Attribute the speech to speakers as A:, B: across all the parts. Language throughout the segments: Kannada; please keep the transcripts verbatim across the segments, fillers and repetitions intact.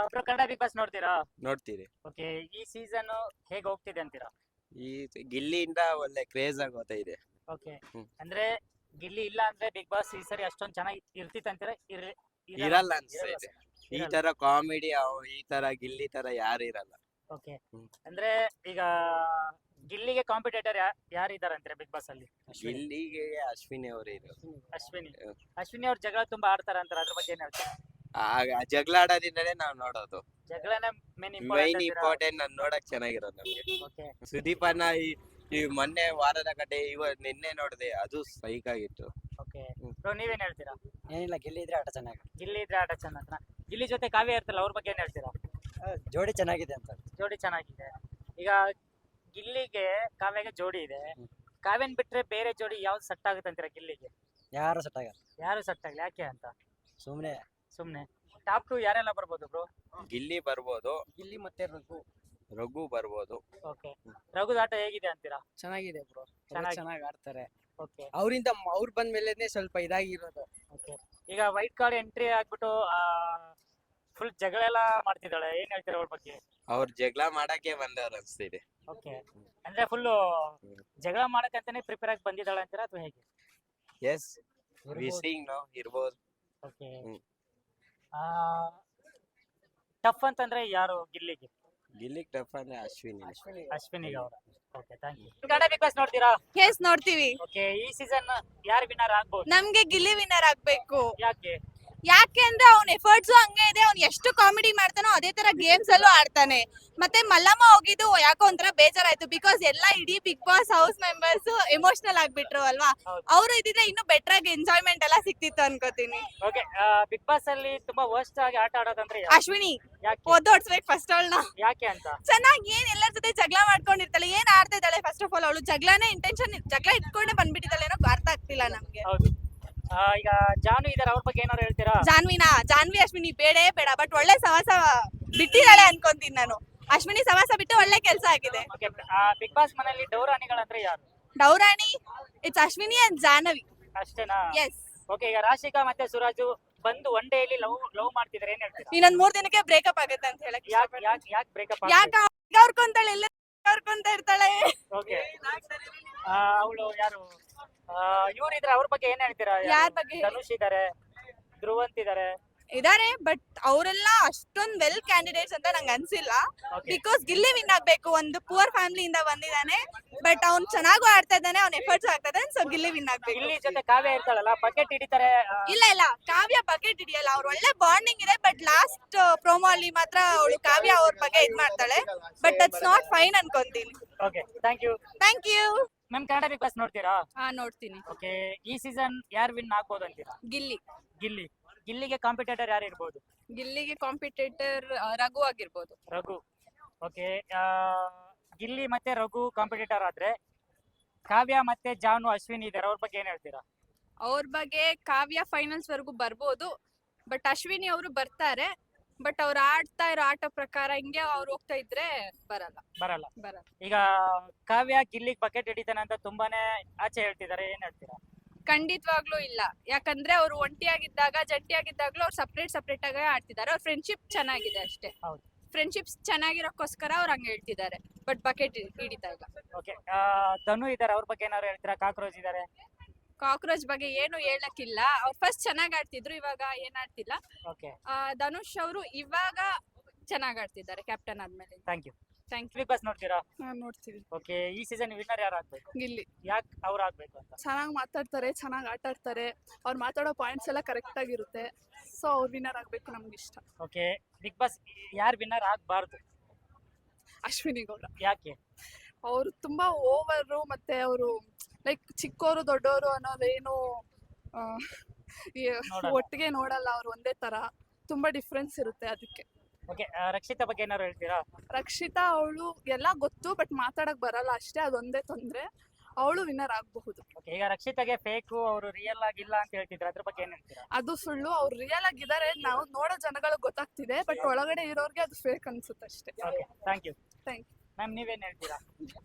A: ಬ್ರೋ ಕನ್ನಡ ಬಿಗ್ ಬಾಸ್ ನೋಡ್ತೀರಾ?
B: ನೋಡ್ತೀರಿ.
A: ಓಕೆ, ಈ ಸೀಸನ್ ಹೇಗೆ ಹೋಗ್ತಿದೆ ಅಂತೀರಾ?
B: ಈ ಗಿಲ್ಲಿಯಿಂದ ಒಳ್ಳೆ ಕ್ರೇಜ್ ಆಗೋತಾ ಇದೆ.
A: Okay,
B: hmm.
A: ಅಂದ್ರೆ ಗಿಲ್ಲಿ ಇಲ್ಲ ಅಂದ್ರೆ ಬಿಗ್ ಬಾಸ್ ಈ ಸರಿ ಅಷ್ಟೊಂದ್ ಚೆನ್ನಾಗಿ ಇರ್ತಿತ್ತು ಅಂತೀರಾ? ಇರ-
B: ಇರಲ್ಲ
A: ಇರಲ್ಲ
B: ಅನ್ಸ್ತೈತೆ. ಈ
A: ಇರಲ್ಲ.
B: ತರ ಕಾಮಿಡಿ ಈ ತರ ಗಿಲ್ಲಿ ತರ ಯಾರು ಇರಲ್ಲ.
A: Okay,
B: hmm.
A: ಅಂದ್ರೆ ಈಗ ಗಿಲ್ಲಿಗೆ ಕಾಂಪಿಟೇಟರ್ ಯಾರಿದ್ದಾರೆ ಅಂತೀರಾ ಬಿಗ್ ಬಾಸ್ ಅಲ್ಲಿ?
B: ಗಿಲ್ಲಿಗೆ ಅಶ್ವಿನಿ ಅವರು ಇರೋ
A: ಅಶ್ವಿನಿ
B: ಹ್ಮ್.
A: ಅಶ್ವಿನಿ ಅವ್ರ ಜಗಳ ತುಂಬಾ ಆಡ್ತಾರ ಅಂತಾರೆ, ಅದ್ರ ಬಗ್ಗೆ ಏನ್ ಹೇಳ್ತೀರಾ?
B: ಆ ಜಗಳ ಆಡೋದಿಂದಲೇ ನಾವ್ ನೋಡೋದು.
A: ಜಗಳನೇ ಮೇನ್
B: ಮೈನ್
A: ಇಂಪಾರ್ಟೆಂಟ್.
B: ಇಂಪಾರ್ಟೆಂಟ್ ನಾನ್ ನೋಡಕ್ ಚೆನ್ನಾಗಿರೋದು ನಮ್ಗೆ.
A: ಓಕೆ,
B: ಸುದೀಪ್ ಅನ್ನ ಈ ಈ ಮೊನ್ನೆ ವಾರದ ಕಡೆ ಇವ ನಿನ್ನೆ ನೋಡಿದೆ, ಅದು ಸೈಕ್ ಆಗಿತ್ತು.
A: ಓಕೆ
B: ಹ್ಮ್.
A: ಬ್ರೋ ನೀವೇನ್ ಹೇಳ್ತೀರಾ?
C: ಏನಿಲ್ಲ, ಗೆಲ್ಲಿ ಇದ್ರೆ ಆಟ ಚೆನ್ನಾಗಿ,
A: ಗಿಲ್ಲಿ ಇದ್ರೆ ಆಟ ಚೆನ್ನಾಗ. ಗಿಲ್ಲಿ ಜೊತೆ ಕಾವ್ಯ ಇರ್ತಲ್ಲ, ಅವ್ರ ಬಗ್ಗೆ ಏನ್ ಹೇಳ್ತೀರಾ?
C: ಜೋಡಿ ಚೆನ್ನಾಗಿದೆ ಅಂತ.
A: ಜೋಡಿ ಚೆನ್ನಾಗಿದೆ. ಈಗ ಗಿಲ್ಲಿಗೆ ಕಾವ್ಯಗೆ ಜೋಡಿ ಇದೆ,
C: ಹ್ಮ್.
A: ಕಾವ್ಯನ್ ಬಿಟ್ರೆ ಬೇರೆ ಜೋಡಿ ಯಾವ್ದು ಸೆಟ್ ಆಗುತ್ತೆ ಅಂತೀರಾ ಗಿಲ್ಲಿಗೆ?
C: ಯಾರು ಸೆಟ್ ಆಗಲ್ಲ,
A: ಯಾರು ಸೆಟ್ ಆಗಲಿ, ಯಾಕೆ ಅಂತ
C: ಸುಮ್ಮನೆ.
A: ಸುಮ್ನೆ. ಟಾಪ್ ಟು ಯಾರೆಲ್ಲ ಬರ್ಬೋದು ಬ್ರೋ?
B: ಗಿಲ್ಲಿ ಬರ್ಬೋದು,
C: ಗಿಲ್ಲಿ ಮತ್ತೆ ರಘು
B: ರಘು ಬರ್ಬೋದು.
A: ಓಕೆ, ರಘುದ ಆಟ ಹೇಗಿದೆ ಅಂತೀರಾ?
C: ಚೆನ್ನಾಗಿದೆ ಬ್ರೋ,
A: ಚೆನ್ನಾಗಿ-
C: ಚೆನ್ನಾಗಿ ಆಡ್ತಾರೆ.
A: ಓಕೆ
C: ಅವರಿಂದ ಅವ್ರು ಬಂದ ಮೇಲೆನೆ ಸ್ವಲ್ಪ ಇದಾಗಿರೋದು.
A: ಓಕೆ ಈಗ ವೈಟ್ ಕಾರ್ಡ್ ಎಂಟ್ರಿ ಆಗ್ಬಿಟ್ಟು ಫುಲ್ ಜಗಳ ಎಲ್ಲ ಮಾಡ್ತಿದ್ದಾಳೆ, ಏನ್ ಹೇಳ್ತೀರಾ ಅವ್ರ ಬಗ್ಗೆ?
B: ಅವ್ರ ಜಗಳ ಮಾಡಕ್ಕೆ ಬಂದವ್ರು ಅನ್ಸ್ತಿದೆ.
A: ಓಕೆ, ಅಂದ್ರೆ ಫುಲ್
B: ಹ್ಮ್.
A: ಜಗಳ ಮಾಡಕ್ಕಂತಾನೆ ಪ್ರಿಪೇರ್ ಆಗಿ ಬಂದಿದ್ದಾಳೆ ಅಂತೀರಾ ಅಥವಾ ಹೇಗೆ?
B: ಎಸ್, ವಿಸಿಂಗ್ ನೋ ಇರ್ಬೋದು.
A: Okay,
B: hmm.
A: ಟಫ್ ಅಂತಂದ್ರೆ ಯಾರು ಗಿಲ್ಲಿಗೆ?
B: ಗಿಲ್ಲಿಗ್ ಟಫ್ ಅಂದ್ರೆ ಅಶ್ವಿನಿ.
A: ಅಶ್ವಿನಿಗೆ ಅವರ. Okay, thank you. Kannada Bigg Boss ನೋಡ್ತೀರಾ?
D: ಎಸ್ ನೋಡ್ತೀವಿ.
A: ಓಕೆ, ಈ ಸೀಸನ್ ಯಾರು ವಿನ್ನರ್ ಆಗ್ಬೋದು?
D: ನಮ್ಗೆ ಗಿಲ್ಲಿ ವಿನ್ನರ್ ಆಗ್ಬೇಕು.
A: ಯಾಕೆ?
D: ಯಾಕೆ ಅಂದ್ರೆ ಅವ್ನ ಎಫರ್ಟ್ಸ್ ಹಂಗೆ ಇದೆ, ಅವ್ನ್ ಎಷ್ಟು ಕಾಮಿಡಿ ಮಾಡ್ತಾನೋ ಅದೇ ತರ ಗೇಮ್ಸ್ ಅಲ್ಲೂ ಆಡ್ತಾನೆ. ಮತ್ತೆ ಮಲ್ಲಮ್ಮ ಹೋಗಿದ್ದು ಯಾಕೋ ಒಂಥರ ಬೇಜಾರಾಯ್ತು, ಬಿಕಾಸ್ ಎಲ್ಲ ಇಡೀ Bigg Boss house members emotional ಆಗ್ಬಿಟ್ರು ಅಲ್ವಾ.
A: ಹೌದು.
D: ಅವ್ರು ಇದ್ದಿದ್ರೆ ಇನ್ನೂ ಬೆಟರ್ ಆಗಿ ಎಂಜಾಯ್ಮೆಂಟ್ ಎಲ್ಲ ಸಿಕ್ತಿತ್ತು ಅನ್ಕೋತೀನಿ.
A: ಓಕೆ, ಬಿಗ್ ಬಾಸ್ ಅಲ್ಲಿ ತುಂಬಾ ವರ್ಸ್ಟ್ ಆಗಿ ಆಟ ಆಡೋದಂದ್ರೆ ಯಾರು?
D: ಅಶ್ವಿನಿ
A: ಯಾಕೆ?
D: ಓದೋಡ್ಸ್ಬೇಕು ಫಸ್ಟ್ ಅವಳನ್ನ.
A: ಯಾಕೆ ಅಂತ?
D: ಚೆನ್ನಾಗಿ ಏನ್ ಎಲ್ಲರ ಜೊತೆ ಜಗಳ ಮಾಡ್ಕೊಂಡಿರ್ತಾಳೆ, ಏನ್ ಆಡ್ತಾ ಇದ್ದಾಳೆ ಫಸ್ಟ್ ಆಫ್ ಆಲ್. ಅವಳು ಜಗಳನೇ ಇಂಟೆನ್ಷನ್ ಜಗಳ ಇಟ್ಕೊಂಡೆ ಬಂದ್ಬಿಟ್ಟಿದ್ದಾಳೆ, ಏನೋ ಅರ್ಥ ಆಗ್ತಿಲ್ಲ ನಮ್ಗೆ.
A: ಹೌದು. ಆ, ಈಗ ಜಾನು ಇದಾರೆ, ಅವ್ರ ಬಗ್ಗೆ ಏನಾದ್ರು ಹೇಳ್ತೀರಾ?
D: ಜಾನ್ವಿನಾ ಜಾನ್ವಿ ಅಶ್ವಿನಿ ಬೇಡೇ ಬೇಡ, ಬಟ್ ಒಳ್ಳೆ ಸವಾಸ ಬಿಟ್ಟಿದ್ದಾಳೆ ಅನ್ಕೊಂತೀನಿ ನಾನು. ಅಶ್ವಿನಿ ಸವಾಸ ಬಿಟ್ಟು ಒಳ್ಳೆ ಕೆಲಸ ಆಗಿದೆ.
A: ಓಕೆ, ಬಿಗ್ ಬಾಸ್ ಮನೆಯಲ್ಲಿ ಡೌರಾಣಿಗಳಂದ್ರೆ ಯಾರು?
D: ಡೌರಾಣಿ ಇಟ್ಸ್ ಅಶ್ವಿನಿ ಅಂಡ್ ಜಾಹ್ನವಿ.
A: ಅಷ್ಟೇನಾ?
D: ಎಸ್.
A: ಓಕೆ, ಈಗ ರಾಶಿಕಾ ಮತ್ತೆ ಸುರಾಜು ಬಂದು ಒನ್ ಡೇ ಅಲ್ಲಿ ಲವ್ ಲವ್ ಮಾಡ್ತಿದಾರೆ, ಏನ್ ಹೇಳ್ತೀರಾ?
D: ಇನ್ನೊಂದ್ ಮೂರ್ ದಿನಕ್ಕೆ ಬ್ರೇಕಪ್ ಆಗುತ್ತೆ ಅಂತ ಹೇಳಕ್
A: ಯಾಕೆ ಯಾಕೆ ಯಾಕೆ ಬ್ರೇಕಪ್?
D: ಯಾಕ ಅವ್ರ್ಕೊಂತಾಳೆ, ಎಲ್ಲ ಅವ್ರ್ಕೊಂತ ಇರ್ತಾಳೆ.
A: ಓಕೆ, ಅವಳು ಯಾರು ಇವ್ರು ಇದ್ರೆ ಅವ್ರ ಬಗ್ಗೆ ಏನ್ ಹೇಳ್ತೀರಾ?
D: ಯಾರ್ ಬಗ್ಗೆ?
A: ಧನುಷ್ ಇದಾರೆ, ಧ್ರುವಂತ್ ಇದಾರೆ.
D: ಇದಾರೆ, ಬಟ್ ಅವರೆಲ್ಲ ಅಷ್ಟೊಂದ್ ವೆಲ್ ಕ್ಯಾಂಡಿಡೇಟ್ಸ್ ಅಂತ ನಂಗೆ ಅನ್ಸಿಲ್ಲ.
A: Okay.
D: ಬಿಕಾಸ್ ಗಿಲ್ಲಿ ವಿನ್ ಆಗ್ಬೇಕು, ಒಂದು ಪುವರ್ ಫ್ಯಾಮಿಲಿಯಿಂದ ಬಂದಿದ್ದಾನೆ, ಬಟ್ ಅವ್ನ್ ಚೆನ್ನಾಗೂ ಆಡ್ತಾ ಇದ್ದಾನೆ, ಅವ್ನ ಎಫರ್ಟ್ಸ್ ಆಗ್ತಾ ಇದ್ದಾನೆ, ಸೊ ಗಿಲ್ಲಿ ವಿನ್ ಆಗ್ಬೇಕು.
A: ಇಲ್ಲಿ ಜೊತೆ ಕಾವ್ಯ ಇರ್ತಾಳಲ್ಲ, ಬಕೆಟ್ ಹಿಡಿತಾರೆ. ಆ,
D: ಇಲ್ಲ ಇಲ್ಲ, ಕಾವ್ಯ ಬಕೆಟ್ ಹಿಡಿಯಲ್ಲ, ಅವ್ರ ಒಳ್ಳೆ ಬಾಂಡಿಂಗ್ ಇದೆ, ಬಟ್ ಲಾಸ್ಟ್ ಪ್ರೋಮೋ ಅಲ್ಲಿ ಮಾತ್ರ ಅವಳು ಕಾವ್ಯ ಅವ್ರ ಬಗ್ಗೆ ಇದ್ ಮಾಡ್ತಾಳೆ, ಬಟ್ ದಟ್ಸ್ ನಾಟ್ ಫೈನ್ ಅನ್ಕೊಂತೀನಿ.
A: Okay, thank you.
D: Thank you.
A: Ma'am Kannada Bigg Boss ನೋಡ್ತೀರಾ?
D: ಹಾ ನೋಡ್ತೀನಿ.
A: ಓಕೆ, ಈ ಸೀಸನ್ ಯಾರು ವಿನ್ ಆಗ್ಬೋದು ಅಂತೀರಾ?
D: ಗಿಲ್ಲಿ.
A: ಗಿಲ್ಲಿ ಗಿಲ್ಲಿಗೆ ಕಾಂಪಿಟೇಟರ್ ಯಾರು ಇರ್ಬೋದು?
D: ಗಿಲ್ಲಿಗೆ ಕಾಂಪಿಟೇಟರ್ ರಘು ಆಗಿರ್ಬೋದು.
A: ರಘು. ಓಕೆ, ಗಿಲ್ಲಿ ಮತ್ತೆ ರಘು ಕಾಂಪಿಟೇಟರ್ ಆದ್ರೆ ಕಾವ್ಯ ಮತ್ತೆ ಜಾನು ಅಶ್ವಿನಿ ಇದಾರೆ, ಅವ್ರ ಬಗ್ಗೆ ಏನ್ ಹೇಳ್ತೀರಾ?
D: ಅವ್ರ ಬಗ್ಗೆ ಕಾವ್ಯ ಫೈನಲ್ಸ್ ವರೆಗೂ ಬರ್ಬೋದು, ಬಟ್ ಅಶ್ವಿನಿ ಅವರು ಬರ್ತಾರೆ, ಬಟ್ ಅವ್ರು ಆಡ್ತಾ ಇರೋ ಆಟ ಪ್ರಕಾರ ಹಿಂಗೆ ಅವ್ರು ಹೋಗ್ತಾ ಇದ್ರೆ ಬರಲ್ಲ
A: ಬರಲ್ಲ.
D: ಬರಲ್ಲ
A: ಈಗ ಕಾವ್ಯ ಗಿಲ್ಲಿಗೆ ಬಕೆಟ್ ಹಿಡಿತಾನೆ ಅಂತ ತುಂಬಾನೇ ಆಚೆ ಹೇಳ್ತಿದ್ದಾರೆ, ಏನ್ ಹೇಳ್ತೀರಾ?
D: ಖಂಡಿತವಾಗ್ಲೂ ಇಲ್ಲ. ಯಾಕಂದ್ರೆ ಅವ್ರು ಒಂಟಿಯಾಗಿದ್ದಾಗ ಜಂಟಿಯಾಗಿದ್ದಾಗ್ಲೂ ಅವ್ರು ಸಪ್ರೇಟ್ ಸಪ್ರೇಟ್ ಆಗಿ ಆಡ್ತಿದ್ದಾರೆ. ಅವ್ರ ಫ್ರೆಂಡ್ಶಿಪ್ ಚೆನ್ನಾಗಿದೆ ಅಷ್ಟೇ.
A: ಹೌದು.
D: ಫ್ರೆಂಡ್ಶಿಪ್ಸ್ ಚೆನ್ನಾಗಿರೋಕ್ಕೋಸ್ಕರ ಅವ್ರು ಹಂಗೆ ಹೇಳ್ತಿದ್ದಾರೆ, ಬಟ್ ಬಕೆಟ್ ಹಿಡಿತಾ ಇಲ್ಲ.
A: ಓಕೆ, ಧನು ಇದಾರೆ, ಅವ್ರ ಬಗ್ಗೆ ಏನಾದ್ರು ಹೇಳ್ತೀರಾ? ಕಾಕ್ರೋಚ್ ಇದಾರೆ.
D: ಕಾಕ್ರೋಚ್ ಬಗ್ಗೆ ಏನು ಹೇಳಕ್ಕಿಲ್ಲ, ಅವ್ರು ಫಸ್ಟ್ ಚೆನ್ನಾಗ್ ಆಡ್ತಿದ್ರು, ಇವಾಗ ಏನ್ ಆಡ್ತಿಲ್ಲ.
A: ಓಕೆ,
D: ಆ, ಧನುಷ್ ಅವರು ಇವಾಗ ಚೆನ್ನಾಗ್ ಆಡ್ತಿದ್ದಾರೆ ಕ್ಯಾಪ್ಟನ್ ಆದ್ಮೇಲೆ.
A: Thank you.
D: Thank you.
A: Bigg Boss ನೋಡ್ತೀರಾ?
D: ನೋಡ್ತೀವಿ.
A: ಓಕೆ, ಈ ಸೀಸನ್ ವಿನ್ನರ್ ಯಾರು ಆಗ್ಬೇಕು?
D: ಗಿಲ್ಲಿ
A: ಯಾಕೆ ಅವ್ರು ಆಗ್ಬೇಕು ಅಂತ?
D: ಚೆನ್ನಾಗಿ ಮಾತಾಡ್ತಾರೆ, ಚೆನ್ನಾಗಿ ಆಟ ಆಡ್ತಾರೆ, ಅವ್ರು ಮಾತಾಡೋ ಪಾಯಿಂಟ್ಸ್ ಎಲ್ಲ ಕರೆಕ್ಟ್ ಆಗಿರುತ್ತೆ, ಸೊ ಅವ್ರು ವಿನ್ನರ್ ಆಗ್ಬೇಕು ನಮ್ಗೆ ಇಷ್ಟ.
A: ಓಕೆ, ಬಿಗ್ ಬಾಸ್ ಯಾರು ವಿನ್ನರ್ ಆಗ್ಬಾರ್ದು?
D: ಅಶ್ವಿನಿ ಗೌಡ.
A: ಯಾಕೆ?
D: ಅವರು ತುಂಬಾ ಓವರು, ಮತ್ತೆ ಅವರು ಲೈಕ್ ಚಿಕ್ಕವರು ದೊಡ್ಡವರು ಅನ್ನೋದೇನು ಆ, ಈ
A: ನೋಡಲ್ಲ.
D: ಒಟ್ಟಿಗೆ ನೋಡಲ್ಲ, ಅವ್ರು ಒಂದೇ ತರ, ತುಂಬಾ ಡಿಫ್ರೆನ್ಸ್ ಇರುತ್ತೆ ಅದಕ್ಕೆ.
A: ಓಕೆ, ರಕ್ಷಿತಾ ಬಗ್ಗೆ ಏನಾದ್ರು ಹೇಳ್ತೀರಾ?
D: ರಕ್ಷಿತಾ ಅವಳು ಎಲ್ಲ ಗೊತ್ತು, ಬಟ್ ಮಾತಾಡಕ್ ಬರಲ್ಲ ಅಷ್ಟೇ, ಅದೊಂದೇ ತೊಂದ್ರೆ. ಅವಳು ವಿನ್ನರ್ ಆಗಬಹುದು.
A: ಓಕೆ, ಈಗ ರಕ್ಷಿತಾಗೆ ಫೇಕು, ಅವರು ರಿಯಲ್ ಆಗಿಲ್ಲ ಅಂತ ಹೇಳ್ತಿದ್ರು, ಅದ್ರ ಬಗ್ಗೆ ಏನ್ ಹೇಳ್ತೀರಾ?
D: ಅದು ಸುಳ್ಳು, ಅವ್ರು ರಿಯಲ್ ಆಗಿದ್ದಾರೆ, ನಾವು ನೋಡೋ ಜನಗಳಿಗೆ ಗೊತ್ತಾಗ್ತಿದೆ, ಬಟ್ ಒಳಗಡೆ ಇರೋರ್ಗೆ ಅದು ಫೇಕ್ ಅನ್ಸುತ್ತೆ ಅಷ್ಟೇ.
A: Okay, thank you.
D: Thank you.
A: Ma'am ನೀವೇನ್ ಹೇಳ್ತೀರಾ?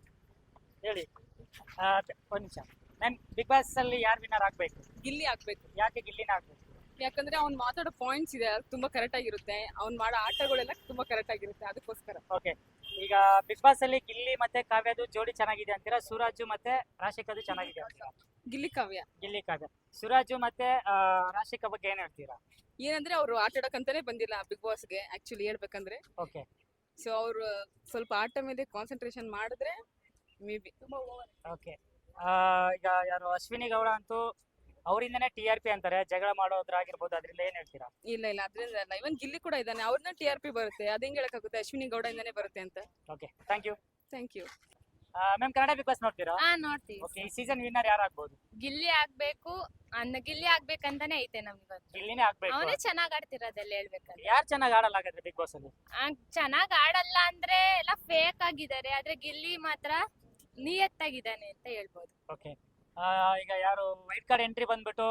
A: ಹೇಳಿ. ಆ, ಒಂದ್ ನಿಮಿಷ ಮ್ಯಾಮ್, ಬಿಗ್ ಬಾಸ್ ಅಲ್ಲಿ ಯಾರು ವಿನ್ನರ್ ಆಗ್ಬೇಕು?
D: ಗಿಲ್ಲಿ ಆಗ್ಬೇಕು.
A: ಯಾಕೆ ಗಿಲ್ಲಿನ ಆಗ್ಬೇಕು?
E: ಯಾಕಂದ್ರೆ ಅವ್ನ್ ಮಾತಾಡೋ ಪಾಯಿಂಟ್ಸ್ ಇದೆ ಅದು ತುಂಬಾ ಕರೆಕ್ಟ್ ಆಗಿರುತ್ತೆ, ಅವ್ನ್ ಮಾಡೋ ಆಟಗಳೆಲ್ಲ ತುಂಬಾ ಕರೆಕ್ಟ್ ಆಗಿರುತ್ತೆ, ಅದಕ್ಕೋಸ್ಕರ.
A: ಓಕೆ, ಈಗ ಬಿಗ್ ಬಾಸ್ ಅಲ್ಲಿ ಗಿಲ್ಲಿ ಮತ್ತೆ ಕಾವ್ಯದು ಜೋಡಿ ಚೆನ್ನಾಗಿದೆ ಅಂತೀರಾ, ಸುರಾಜು ಮತ್ತೆ ರಾಶಿಕದು ಚೆನ್ನಾಗಿದೆ ಅಂತೀರಾ?
E: ಗಿಲ್ಲಿ ಕಾವ್ಯ
A: ಗಿಲ್ಲಿ ಕಾವ್ಯ. ಸುರಾಜು ಮತ್ತೆ ಆ, ರಾಶಿಕಾ ಬಗ್ಗೆ ಏನ್ ಹೇಳ್ತೀರಾ?
E: ಏನಂದ್ರೆ ಅವ್ರು ಆಟ ಆಡಕ್ಕಂತಾನೆ ಬಂದಿಲ್ಲ ಬಿಗ್ ಬಾಸ್ಗೆ ಆಕ್ಚುಲಿ ಹೇಳ್ಬೇಕಂದ್ರೆ.
A: ಓಕೆ
E: ಸೊ ಅವ್ರು ಸ್ವಲ್ಪ ಆಟ ಮೇಲೆ ಕಾನ್ಸಂಟ್ರೇಷನ್ ಮಾಡಿದ್ರೆ ಮೇ ಬಿ.
A: ಓಕೆ, ಈಗ ಯಾರು ಅಶ್ವಿನಿ ಗೌಡ ಅಂತೂ ಅವರಿಂದನೇ ಟಿ ಆರ್ ಪಿ ಅಂತಾರೆ, ಜಗಳ ಮಾಡೋದ್ರಾಗಿರ್ಬೋದು, ಅದರಿಂದ ಏನ್ ಹೇಳ್ತೀರಾ?
E: ಇಲ್ಲ ಇಲ್ಲ ಅದ್ರಿಂದ ಅಲ್ಲ, ಇವನ್ ಗಿಲ್ಲಿ ಕೂಡ ಇದ್ದಾನೆ, ಅವ್ರನ್ನ ಟಿ ಆರ್ ಪಿ ಬರುತ್ತೆ, ಅದ್ ಹೆಂಗ್ ಹೇಳಕ್ಕಾಗುತ್ತೆ ಅಶ್ವಿನಿ ಗೌಡ ಇಂದಾನೆ ಬರುತ್ತೆ ಅಂತ.
A: Okay, thank you.
E: Thank you.
A: Ma'am, Kannada Bigg Boss ನೋಡ್ತೀರಾ?
F: ಹಾ ನೋಡ್ತೀವಿ.
A: ಓಕೆ, ಈ ಸೀಸನ್ ವಿನ್ನರ್ ಯಾರು ಆಗ್ಬೋದು?
F: ಗಿಲ್ಲಿ ಆಗ್ಬೇಕು ಅನ್ನ ಗಿಲ್ಲಿ ಆಗ್ಬೇಕಂತಾನೆ ಐತೆ ನಮ್ಗೆ.
A: ಗಿಲ್ಲಿನೇ ಆಗ್ಬೇಕು.
F: ಅವನೇ ಚೆನ್ನಾಗ್ ಆಡ್ತಿರೋದೆಲ್ಲ ಹೇಳ್ಬೇಕಂದ್ರೆ.
A: ಯಾರು ಚೆನ್ನಾಗಿ ಆಡಲ್ಲ ಹಾಗಾದ್ರೆ ಬಿಗ್ ಬಾಸ್ ಅಲ್ಲಿ?
F: ಚೆನ್ನಾಗ್ ಆಡಲ್ಲ ಅಂದ್ರೆ ಎಲ್ಲ ಫೇಕ್ ಆಗಿದ್ದಾರೆ, ಆದ್ರೆ ಗಿಲ್ಲಿ ಮಾತ್ರ ನಿಯತ್ತಾಗಿದ್ದಾನೆ ಅಂತ ಹೇಳ್ಬೋದು.
A: ಓಕೆ, ಈಗ ಯಾರು ವೈಟ್ ಕಾರ್ಡ್ ಎಂಟ್ರಿ ಬಂದ್ಬಿಟ್ಟು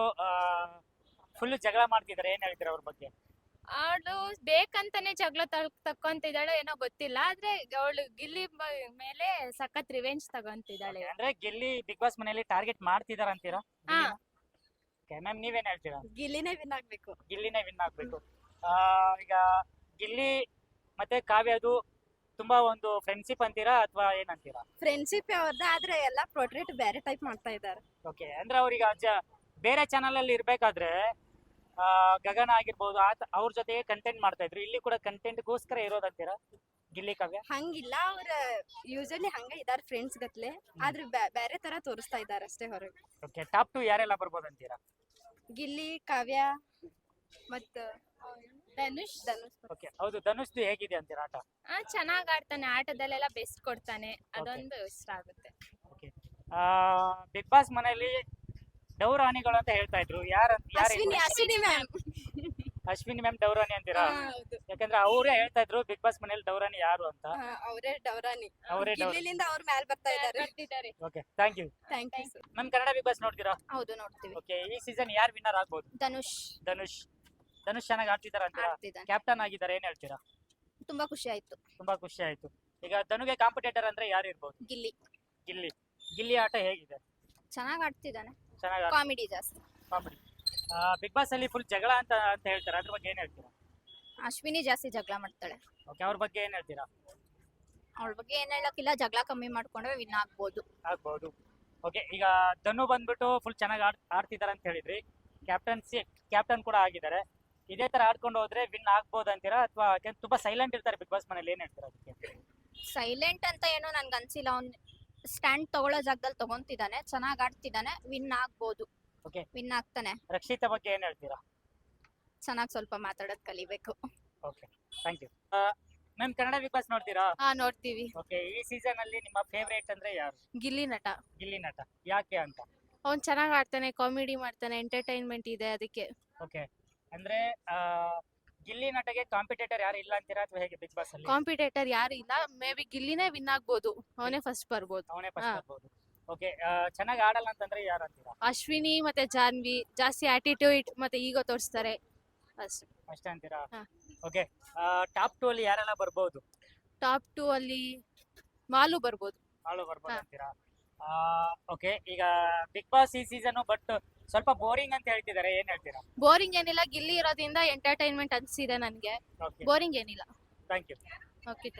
A: ಫುಲ್ ಜಗಳ ಮಾಡ್ತಿದ್ದಾರೆ, ಏನ್ ಹೇಳ್ತೀರಾ ಅವ್ರ ಬಗ್ಗೆ?
F: ಅವಳು ಬೇಕಂತಾನೆ ಜಗಳ ತಕ್ಕೊಂತಿದ್ದಾಳೆ ಏನೋ ಗೊತ್ತಿಲ್ಲ, ಆದ್ರೆ ಅವಳು ಗಿಲ್ಲಿ ಬ- ಮೇಲೆ ಸಖತ್ ರಿವೆಂಜ್ ತಗೊಂತಿದ್ದಾಳೆ.
A: ಅಂದ್ರೆ ಗಿಲ್ಲಿ ಬಿಗ್ ಬಾಸ್ ಮನೆಯಲ್ಲಿ ಟಾರ್ಗೆಟ್ ಮಾಡ್ತಿದಾರ ಅಂತೀರಾ?
F: ಹಾ.
A: ಮ್ಯಾಮ್, ನೀವೇನ್ ಹೇಳ್ತೀರಾ?
D: ಗಿಲ್ಲಿನೇ ವಿನ್ ಆಗ್ಬೇಕು.
A: ಗಿಲ್ಲಿನೇ ವಿನ್ ಆಗ್ಬೇಕು. ಆ, ಈಗ ಗಿಲ್ಲಿ ಮತ್ತೆ ಕಾವ್ಯದು ತುಂಬಾ ಒಂದು ಫ್ರೆಂಡ್ಶಿಪ್ ಅಂತೀರಾ ಅಥವಾ ಏನಂತೀರಾ?
D: ಫ್ರೆಂಡ್ಶಿಪ್ ಅವ್ರದ್ದು, ಆದ್ರೆ ಎಲ್ಲ ಪ್ರೊಟ್ರೇಟ್ ಬೇರೆ ಟೈಪ್ ಮಾಡ್ತಾ ಇದ್ದಾರೆ.
A: ಓಕೆ, ಅಂದ್ರೆ ಅವ್ರಿಗೆ ಅಜ್ಜ ಬೇರೆ ಚಾನಲ್ ಅಲ್ಲಿ ಇರ್ಬೇಕಾದ್ರೆ ಆ, ಗಗನ ಆಗಿರ್ಬೋದು ಆತ ಅವ್ರ ಜೊತೆಗೆ ಕಂಟೆಂಟ್ ಮಾಡ್ತಾ ಇದ್ರು, ಇಲ್ಲಿ ಕೂಡ ಕಂಟೆಂಟ್ಗೋಸ್ಕರ ಇರೋದಂತೀರಾ ಗಿಲ್ಲಿ ಕಾವ್ಯ?
D: ಹಂಗಿಲ್ಲ, ಅವ್ರ ಯೂಶಲಿ ಹಂಗ ಇದಾರೆ ಫ್ರೆಂಡ್ಸ್ ಗತ್ಲೆ, ಆದ್ರೆ ಬೇರೆ ತರ ತೋರಿಸ್ತಾ ಇದಾರೆ ಅಷ್ಟೇ ಹೊರಗೆ.
A: ಓಕೆ, ಟಾಪ್ ಟು ಯಾರೆಲ್ಲ ಬರ್ಬೋದು ಅಂತೀರಾ?
D: ಗಿಲ್ಲಿ, ಕಾವ್ಯ ಮತ್ತ
F: ಧನುಷ್
D: ಧನುಷ್.
A: ಓಕೆ, ಹೌದು, ಧನುಷ್ದು ಹೇಗಿದೆ ಅಂತೀರಾ ಆಟ?
F: ಆ ಚೆನ್ನಾಗ್ ಆಡ್ತಾನೆ, ಆಟದಲ್ಲೆಲ್ಲ ಬೆಸ್ಟ್ ಕೊಡ್ತಾನೆ, ಅದೊಂದು ಇಷ್ಟ ಆಗುತ್ತೆ.
A: ಓಕೆ, ಬಿಗ್ ಬಾಸ್ ಮನೆಯಲ್ಲಿ ಡೌರಾಣಿಗಳು ಅಂತ ಹೇಳ್ತಾ ಇದ್ರು, ಯಾರ ಯಾರು?
D: ಅಶ್ವಿನಿ ಅಶ್ವಿನಿ ಮ್ಯಾಮ್.
A: ಅಶ್ವಿನಿ ಮ್ಯಾಮ್ ಡೌರಾಣಿ ಅಂತೀರಾ? ಯಾಕಂದ್ರೆ ಅವರೇ ಹೇಳ್ತಾ ಇದ್ರು ಬಿಗ್ ಬಾಸ್ ಮನೇಲಿ ಡೌರಾಣಿ ಯಾರು ಅಂತ.
D: ಅವರೇ ಡೌರಾನಿ.
A: ಅವರೇ ಡೌರಾಣಿ.
D: ಗಿಲ್ಲಿಲಿಂದ ಅವ್ರ ಮ್ಯಾಲ್ ಬರ್ತಾ ಇದಾರೆ.
F: ಬರ್ತಿದ್ದಾರೆ.
A: Okay, thank you.
D: Thank you sir.
A: Ma'am, Kannada Bigg Boss ನೋಡ್ತೀರಾ?
D: ಹೌದು ನೋಡ್ತೀವಿ.
A: ಓಕೆ, ಈ ಸೀಸನ್ ಯಾರು ವಿನ್ನರ್ ಆಗ್ಬೋದು?
D: ಧನುಷ್
A: ಧನುಷ್. ಧನುಷ್ ಚೆನ್ನಾಗಿ ಆಡ್ತಿದಾರ ಅಂತೀರಾ?
D: ಆಡ್ತಿದ್ದಾನೆ.
A: ಕ್ಯಾಪ್ಟನ್ ಆಗಿದ್ದಾರೆ, ಏನ್ ಹೇಳ್ತೀರಾ?
D: ತುಂಬಾ ಖುಷಿ ಆಯ್ತು.
A: ತುಂಬಾ ಖುಷಿ ಆಯ್ತು. ಈಗ ಧನುಗೆ ಕಾಂಪಿಟೇಟರ್ ಅಂದ್ರೆ ಯಾರು ಇರ್ಬೋದು?
D: ಗಿಲ್ಲಿ
A: ಗಿಲ್ಲಿ. ಗಿಲ್ಲಿ ಆಟ ಹೇಗಿದೆ?
D: ಚೆನ್ನಾಗ್ ಆಡ್ತಿದ್ದಾನೆ,
A: ಚೆನ್ನಾಗಿ
D: ಕಾಮಿಡಿ ಜಾಸ್ತಿ.
A: ಕಾಮಿಡಿ. ಬಿಗ್ ಬಾಸ್ ಅಲ್ಲಿ ಫುಲ್ ಜಗಳ ಅಂತ ಅಂತ ಹೇಳ್ತಾರೆ, ಅದ್ರ ಬಗ್ಗೆ ಏನ್ ಹೇಳ್ತೀರಾ?
D: ಅಶ್ವಿನಿ ಜಾಸ್ತಿ ಜಗಳ ಮಾಡ್ತಾಳೆ.
A: ಓಕೆ, ಅವ್ರ ಬಗ್ಗೆ ಏನ್ ಹೇಳ್ತೀರಾ?
D: ಅವಳ ಬಗ್ಗೆ ಏನ್ ಹೇಳಕ್ಕಿಲ್ಲ, ಜಗಳ ಕಮ್ಮಿ ಮಾಡ್ಕೊಂಡ್ರೆ ವಿನ್ ಆಗ್ಬೋದು.
A: ಆಗ್ಬಹುದು. ಓಕೆ, ಈಗ ಧನು ಬಂದ್ಬಿಟ್ಟು ಫುಲ್ ಚೆನ್ನಾಗಿ ಆಡ್ ಆಡ್ತಿದಾರೆ ಅಂತ ಹೇಳಿದ್ರಿ, ಕ್ಯಾಪ್ಟನ್ಸಿ ಕ್ಯಾಪ್ಟನ್ ಕೂಡ ಆಗಿದ್ದಾರೆ, ಇದೇ ತರ ಆಡ್ಕೊಂಡು ಹೋದ್ರೆ ವಿನ್ ಆಗ್ಬೋದು ಅಂತೀರಾ ಅಥವಾ ತುಂಬಾ ಸೈಲೆಂಟ್ ಇರ್ತಾರೆ ಬಿಗ್ ಬಾಸ್ ಮನೇಲಿ, ಏನ್ ಹೇಳ್ತೀರಾ ಅದಕ್ಕೆ?
D: ಸೈಲೆಂಟ್ ಅಂತ ಏನೋ ನನ್ಗೆ ಅನ್ಸಿಲ್ಲ, ಅವ್ನ್ ಸ್ಟ್ಯಾಂಡ್ ತಗೊಳ್ಳೋ ಜಾಗದಲ್ಲಿ ತಗೊಂತಿದ್ದಾನೆ, ಚೆನ್ನಾಗ್ ಆಡ್ತಿದ್ದಾನೆ, ವಿನ್ ಆಗ್ಬೋದು.
A: Okay.
D: ವಿನ್ ಆಗ್ತಾನೆ.
A: ರಕ್ಷಿತಾ ಬಗ್ಗೆ ಏನ್ ಹೇಳ್ತೀರಾ?
D: ಚೆನ್ನಾಗ್ ಸ್ವಲ್ಪ ಮಾತಾಡೋದ್ ಕಲಿಬೇಕು.
A: Okay, thank you. Ma'am, Kannada Bigg Boss ನೋಡ್ತೀರಾ?
F: ಹಾ ನೋಡ್ತೀವಿ.
A: ಓಕೆ, ಈ ಸೀಸನ್ ಅಲ್ಲಿ ನಿಮ್ಮ ಫೇವರೇಟ್ ಅಂದ್ರೆ ಯಾರು?
F: ಗಿಲ್ಲಿ ನಟ.
A: ಗಿಲ್ಲಿ ನಟ, ಯಾಕೆ ಅಂತ?
F: ಅವ್ನ್ ಚೆನ್ನಾಗ್ ಆಡ್ತಾನೆ, ಕಾಮಿಡಿ ಮಾಡ್ತಾನೆ, ಎಂಟರ್ಟೈನ್ಮೆಂಟ್ ಇದೆ ಅದಕ್ಕೆ.
A: ಓಕೆ, ಅಂದ್ರೆ ಆ, ಗಿಲ್ಲಿ ನಟಗೆ ಕಾಂಪಿಟೇಟರ್ ಯಾರು ಇಲ್ಲ ಅಂತೀರಾ ಅಥವಾ ಹೇಗೆ ಬಿಗ್ ಬಾಸ್ ಅಲ್ಲಿ?
F: ಕಾಂಪಿಟೇಟರ್ ಯಾರು ಇಲ್ಲ, ಮೇ ಬಿ ಗಿಲ್ಲಿನೇ ವಿನ್ ಆಗ್ಬೋದು, ಅವನೇ ಫಸ್ಟ್ ಬರ್ಬೋದು.
A: ಅವನೇ ಫಸ್ಟ್
F: ಹಾ.
A: ಬರ್ಬೋದು. ಓಕೆ, ಚೆನ್ನಾಗಿ ಆಡಲ್ಲ ಅಂತಂದ್ರೆ ಯಾರು ಅಂತೀರಾ?
F: ಅಶ್ವಿನಿ ಮತ್ತೆ ಜಾನ್ವಿ ಜಾಸ್ತಿ ಆಟಿಟ್ಯೂಡ್ ಮತ್ತೆ ಈಗೋ ತೋರಿಸ್ತಾರೆ ಅಷ್ಟೇ.
A: ಅಷ್ಟೇ ಅಂತೀರಾ?
F: ಹಾ.
A: ಓಕೆ, ಟಾಪ್ ಟು ಅಲ್ಲಿ ಯಾರೆಲ್ಲ ಬರ್ಬೋದು?
F: ಟಾಪ್ ಟೂ ಅಲ್ಲಿ ಮಾಲು ಬರ್ಬೋದು.
A: ಆಳು ಬರ್ಬೋದು
F: ಹಾ.
A: ಅಂತೀರಾ? ಓಕೆ, ಈಗ ಬಿಗ್ ಬಾಸ್ ಈ ಸೀಸನ್ ಬಟ್ ಸ್ವಲ್ಪ ಬೋರಿಂಗ್ ಅಂತ ಹೇಳ್ತಿದ್ದಾರೆ, ಏನ್ ಹೇಳ್ತೀರಾ?
F: ಬೋರಿಂಗ್ ಏನಿಲ್ಲ, ಗಿಲ್ಲಿ ಇರೋದ್ರಿಂದ ಎಂಟರ್ಟೈನ್ಮೆಂಟ್ ಅನ್ಸಿದೆ ನನ್ಗೆ,
A: ಓಕೆ,
F: ಬೋರಿಂಗ್ ಏನಿಲ್ಲ.
A: Thank you.
F: ಓಕೆ.